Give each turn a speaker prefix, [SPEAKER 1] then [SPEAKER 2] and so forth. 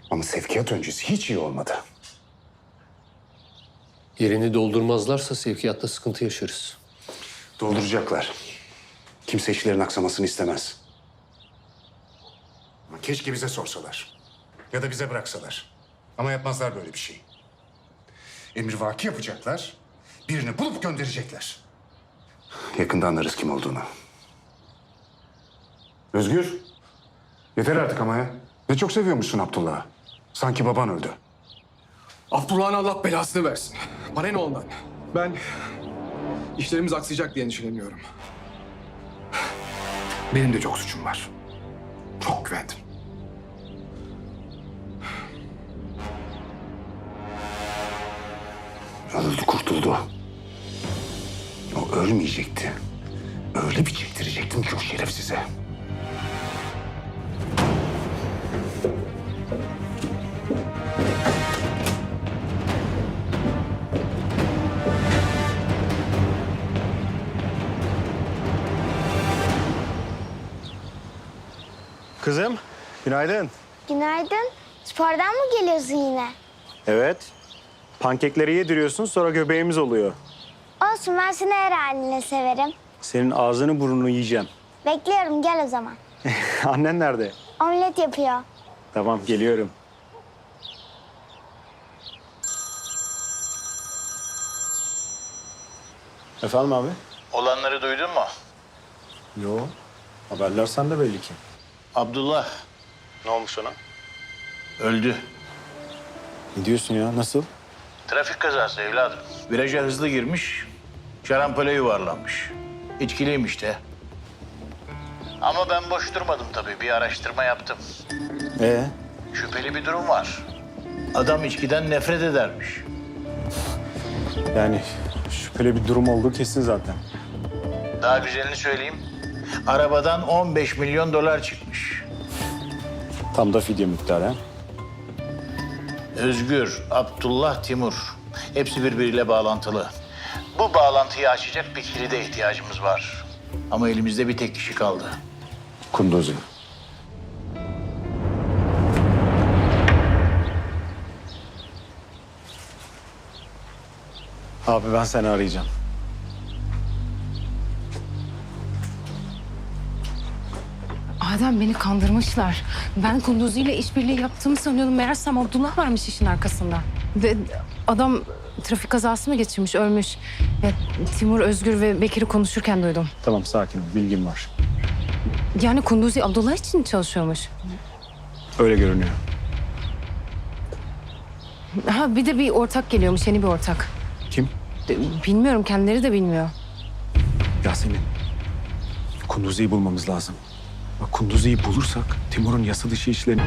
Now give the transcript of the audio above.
[SPEAKER 1] Ama sevkiyat öncesi hiç iyi olmadı.
[SPEAKER 2] Yerini doldurmazlarsa sevkiyatta sıkıntı yaşarız.
[SPEAKER 1] Dolduracaklar. Kimse işlerin aksamasını istemez. Ama keşke bize sorsalar. Ya da bize bıraksalar. Ama yapmazlar böyle bir şey. Emrivaki yapacaklar. Birini bulup gönderecekler. Yakında anlarız kim olduğunu. Özgür. Yeter artık ama ya. Ne çok seviyormuşsun Abdullah'ı. Sanki baban öldü.
[SPEAKER 3] Abdullah'ın Allah belasını versin. Bana ne ondan? Ben işlerimiz aksayacak diye endişeleniyorum. Benim de çok suçum var. Çok güvendim.
[SPEAKER 1] Öldü, kurtuldu. O ölmeyecekti. Öyle bir çektirecektim ki o şerefsize.
[SPEAKER 4] Kızım, günaydın.
[SPEAKER 5] Günaydın. Spordan mı geliyorsun yine?
[SPEAKER 4] Evet. Pankekleri yediriyorsun, sonra göbeğimiz oluyor.
[SPEAKER 5] Olsun, ben seni her haline severim.
[SPEAKER 4] Senin ağzını burnunu yiyeceğim.
[SPEAKER 5] Bekliyorum, gel o zaman.
[SPEAKER 4] Annen nerede?
[SPEAKER 5] Omlet yapıyor.
[SPEAKER 4] Tamam, geliyorum. Efendim abi?
[SPEAKER 6] Olanları duydun mu?
[SPEAKER 4] Yo. Haberler sende belli ki.
[SPEAKER 6] Abdullah
[SPEAKER 4] Ne olmuş ona?
[SPEAKER 6] öldü.
[SPEAKER 4] Ne diyorsun ya? Nasıl?
[SPEAKER 6] Trafik kazası evladım. Viraja hızlı girmiş, şarampole yuvarlanmış. İçkiliymiş de. Ama ben boş durmadım tabii. Bir araştırma yaptım. Şüpheli bir durum var. Adam içkiden nefret edermiş.
[SPEAKER 4] Yani şüpheli bir durum olduğu kesin zaten.
[SPEAKER 6] Daha güzelini söyleyeyim. Arabadan 15 milyon dolar çıkmış.
[SPEAKER 4] Tam da fidye miktarı ha?
[SPEAKER 6] Özgür, Abdullah, Timur. Hepsi birbiriyle bağlantılı. Bu bağlantıyı açacak bir kilide ihtiyacımız var. Ama elimizde bir tek kişi kaldı.
[SPEAKER 1] Kunduzi.
[SPEAKER 4] Abi ben seni arayacağım.
[SPEAKER 7] Adem, beni kandırmışlar. Ben Kunduzi ile işbirliği yaptığımı sanıyordum. Meğersem Abdullah varmış işin arkasında. Ve adam trafik kazası mı geçirmiş, ölmüş. Ya, Timur, Özgür ve Bekir'i konuşurken duydum.
[SPEAKER 4] Tamam, sakin ol. Bilgim var.
[SPEAKER 7] Yani Kunduzi Abdullah için çalışıyormuş.
[SPEAKER 4] Öyle görünüyor.
[SPEAKER 7] Ha, bir de bir ortak geliyormuş, yeni bir ortak.
[SPEAKER 4] Kim?
[SPEAKER 7] Bilmiyorum, kendileri de bilmiyor.
[SPEAKER 4] Yasemin. Kunduzi'yi bulmamız lazım. Bak, Kunduzi'yi bulursak Timur'un yasa dışı işlerini